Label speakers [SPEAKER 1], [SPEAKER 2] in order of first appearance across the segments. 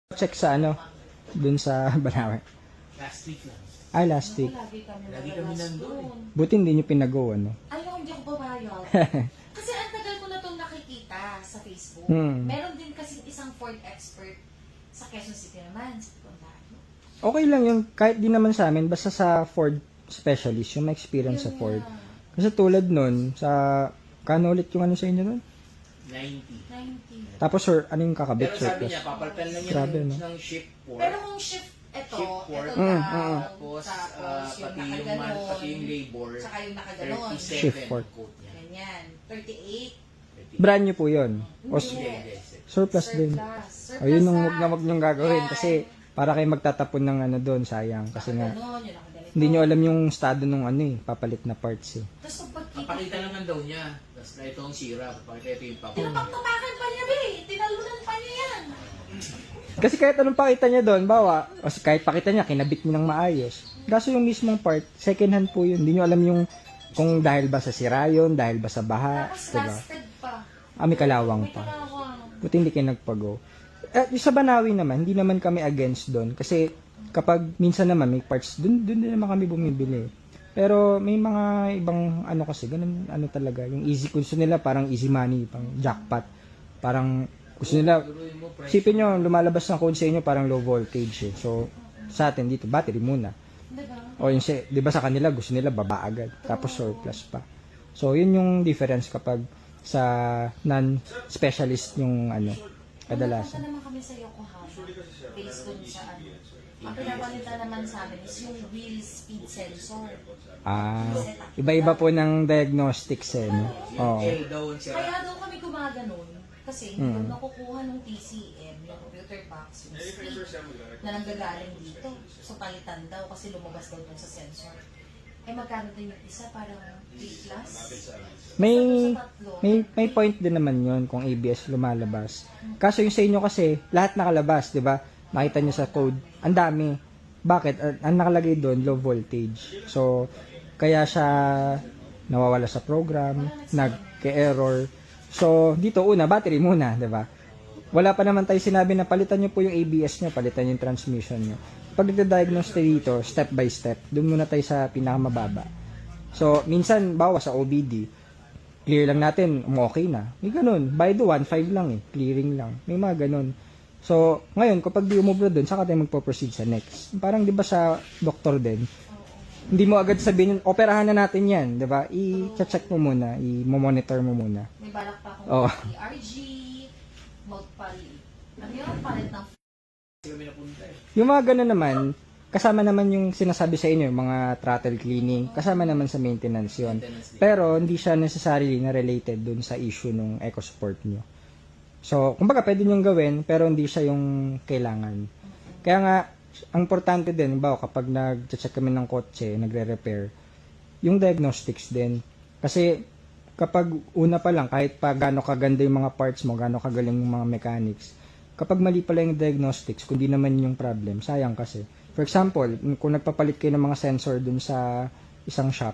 [SPEAKER 1] Check sa ano, dun sa Banawe.
[SPEAKER 2] Last week lang.
[SPEAKER 1] Ay, last week.
[SPEAKER 2] Lagi kami nandun.
[SPEAKER 1] Buti hindi nyo pinag-go, ano?
[SPEAKER 3] Ay, no, hindi ako babayad. Kasi ang tagal ko na itong nakikita sa Facebook. Meron din kasi isang Ford expert sa Quezon City naman. Sa Ontario.
[SPEAKER 1] Okay lang yun, kahit di naman sa amin, basta sa Ford specialist, yung may experience sa Ford. Kasi tulad nun, sa, kano ulit yung ano sa inyo nun?
[SPEAKER 2] 90.
[SPEAKER 3] 90.
[SPEAKER 1] Tapos, sir, ano yung kakabit,
[SPEAKER 2] Pero
[SPEAKER 1] sir?
[SPEAKER 2] sabi niya, papalitan lang niya
[SPEAKER 1] Grabe, no?
[SPEAKER 2] ng shift work.
[SPEAKER 3] Pero kung shift, ito
[SPEAKER 2] Shift work.
[SPEAKER 3] daw,
[SPEAKER 2] Tapos,
[SPEAKER 3] yung
[SPEAKER 2] pati yung man,
[SPEAKER 3] nakaganon,
[SPEAKER 2] pati yung labor.
[SPEAKER 3] tsaka yung nakaganon.
[SPEAKER 2] 37
[SPEAKER 1] Shift work.
[SPEAKER 2] quote niya.
[SPEAKER 3] Ganyan. 38.
[SPEAKER 1] Brand new po yun. O,
[SPEAKER 2] Hindi.
[SPEAKER 1] surplus din.
[SPEAKER 3] Surplus
[SPEAKER 1] O, yun yung
[SPEAKER 3] na.
[SPEAKER 1] wag nyong gagawin.
[SPEAKER 3] Yan.
[SPEAKER 1] Kasi, para kayo magtatapon ng ano doon, sayang. Kasi nga,
[SPEAKER 3] Nakaganon, yung nakaganito.
[SPEAKER 1] hindi nyo alam yung estado nung ano eh, papalit na parts eh.
[SPEAKER 3] Tapos pag
[SPEAKER 2] Papakita naman daw niya. Tapos na ito ang sira. Papakita ito yung papakita.
[SPEAKER 3] tinapaktapakan pa niya, be. Tinalunan pa niya yan.
[SPEAKER 1] Kasi kahit anong pakita niya doon, bawa, o kahit pakita niya, kinabit niya ng maayos. Kaso yung mismong part, second hand po yun. Hindi nyo alam yung kung dahil ba sa sira yun, dahil ba sa baha,
[SPEAKER 3] Tapos
[SPEAKER 1] diba?
[SPEAKER 3] lasted pa.
[SPEAKER 1] May kalawang
[SPEAKER 3] May
[SPEAKER 1] pa.
[SPEAKER 3] kalawang.
[SPEAKER 1] Buti hindi kayo nagpago. Yung sa Banawi naman, hindi naman kami against doon. Kasi kapag minsan naman may parts, doon din naman kami bumibili. Pero may mga ibang ano kasi, ganun ano talaga. Yung easy, gusto nila parang easy money, pang jackpot. Parang gusto nila, isipin nyo, lumalabas ng code sa inyo parang low voltage eh. So, sa atin dito, battery muna.
[SPEAKER 3] Diba?
[SPEAKER 1] O yung, di ba sa kanila, gusto nila baba agad. Tapos surplus pa. So, yun yung difference kapag sa non-specialist yung ano, kadalasan.
[SPEAKER 3] Pumunta naman kami sa Yokohama. Based dun sa ano. Ang pinapalitan naman sa amin is yung wheel speed sensor.
[SPEAKER 1] Iba-iba po ng diagnostics eh. No? Oo.
[SPEAKER 2] L daw ang sira.
[SPEAKER 3] Kaya daw kami gumaganon. Kasi hindi ko nakukuha ng TCM, yung computer box, yung speed, na nanggagaling dito. So palitan daw kasi lumabas daw dun sa sensor. Eh magkano din yung isa? Parang 3 plus?
[SPEAKER 1] May point din naman yon kung ABS lumalabas. Kaso yung sa inyo kasi, lahat nakalabas, di ba? Nakita nyo sa code, ang dami. Bakit? Ang nakalagay doon, low voltage. So, kaya siya nawawala sa program, nagke-error. So, dito una, battery muna, di ba? Wala pa naman tayo sinabi na palitan nyo po yung ABS nyo, palitan yung transmission nyo. Pag nagda-diagnose tayo dito, step by step, doon muna tayo sa pinakamababa. So, minsan, bawa sa OBD, clear lang natin, okay na. May ganun. By the 1.5 lang eh, clearing lang. May mga ganun. So, ngayon, kapag di umubra doon, saka tayo magpo-proceed sa next. Parang di ba sa doktor din, hindi mo agad sabihin, operahan na natin yan, di ba? I-check mo muna, i-monitor mo muna.
[SPEAKER 3] May balak pa akong ERG, magpalit. Ano yun? Palit ng
[SPEAKER 2] Kami napunta eh.
[SPEAKER 1] Yung mga ganun naman, kasama naman yung sinasabi sa inyo, yung mga throttle cleaning, kasama naman sa maintenance yun. Pero hindi siya necessarily na related dun sa issue ng EcoSport nyo. So, kumbaga pwede nyo gawin, pero hindi siya yung kailangan. Kaya nga, ang importante din, kapag nag-check kami ng kotse, nagre-repair, yung diagnostics din. Kasi, kapag una pa lang, kahit pa gaano kaganda yung mga parts mo, gaano kagaling yung mga mechanics, kapag mali pala yung diagnostics, kung di naman yung problem, sayang kasi. For example, kung nagpapalit kayo ng mga sensor dun sa isang shop,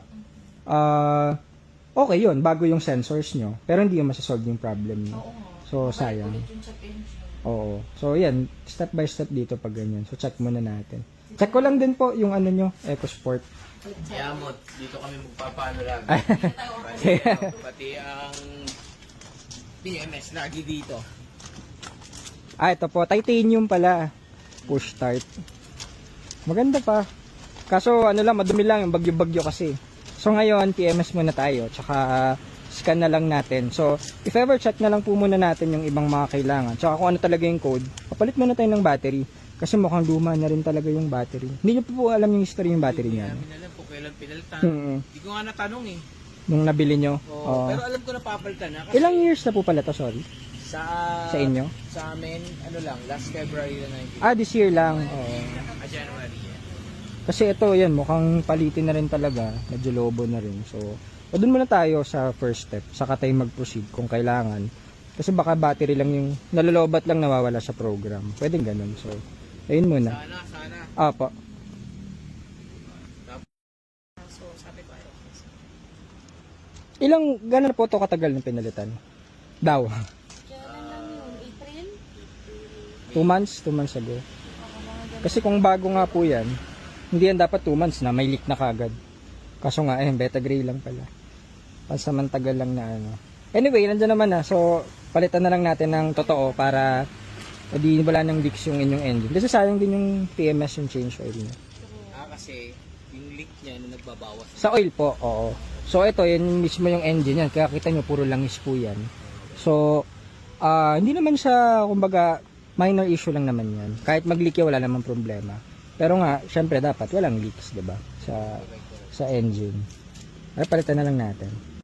[SPEAKER 1] okay yun, bago yung sensors nyo, pero hindi yung masasolve yung problem nyo. So, sayang. Oo. So, yan, step by step dito pag ganyan. So, check muna natin. Check ko lang din po yung ano nyo, EcoSport.
[SPEAKER 2] Kaya mo, dito kami magpapaano lang. Pati ang PMS lagi dito.
[SPEAKER 1] Ito po, titanium pala. Push start. Maganda pa. Kaso, ano lang, madumi lang yung bagyo-bagyo kasi. So, ngayon, PMS muna tayo. Tsaka, scan na lang natin. So, if ever check na lang po muna natin yung ibang mga kailangan. Tsaka kung ano talaga yung code, papalit muna tayo ng battery. Kasi mukhang luma na rin talaga yung battery. Hindi nyo po alam yung history yung battery niya.
[SPEAKER 2] Hindi namin alam kung kailan pinalitan. Hindi ko nga natanong eh.
[SPEAKER 1] Nung nabili nyo.
[SPEAKER 2] Pero alam ko na papalitan na. Kasi
[SPEAKER 1] Ilang years na po pala to, sorry? Sa inyo?
[SPEAKER 2] Sa amin, ano lang, last February na 19.
[SPEAKER 1] This year lang. Oo.
[SPEAKER 2] January yan.
[SPEAKER 1] Kasi ito, yan, mukhang palitin na rin talaga. Medyo lobo na rin. So, doon muna tayo sa first step. Saka tayo mag-proceed kung kailangan. Kasi baka battery lang yung, nalolobat lang nawawala sa program. Pwedeng ganun. So, ayun muna.
[SPEAKER 2] Sana.
[SPEAKER 1] Apo.
[SPEAKER 3] So, sabi ko,
[SPEAKER 1] Gano'n po ito katagal ng pinalitan? Daw.
[SPEAKER 3] Kailan lang yun? April?
[SPEAKER 1] 2 months? 2 months ago. Kasi kung bago nga po yan, hindi yan dapat 2 months na, may leak na kagad. Kaso nga, beta gray lang pala. Pansamantagal lang na ano. Anyway, nandiyan naman na. So, palitan na lang natin ng totoo para di wala nang leaks yung inyong engine. Kasi sayang din yung PMS, yung change oil niya.
[SPEAKER 2] Kasi yung leak niya na nagbabawas.
[SPEAKER 1] Sa oil po, oo. So, ito, yun mismo yung engine yan. Kaya kita nyo, puro langis po yan. So, hindi naman siya, kumbaga, minor issue lang naman yan. Kahit mag-leak yan, wala namang problema. Pero nga, syempre dapat walang leaks, 'di ba? Sa engine. Ay palitan na lang natin.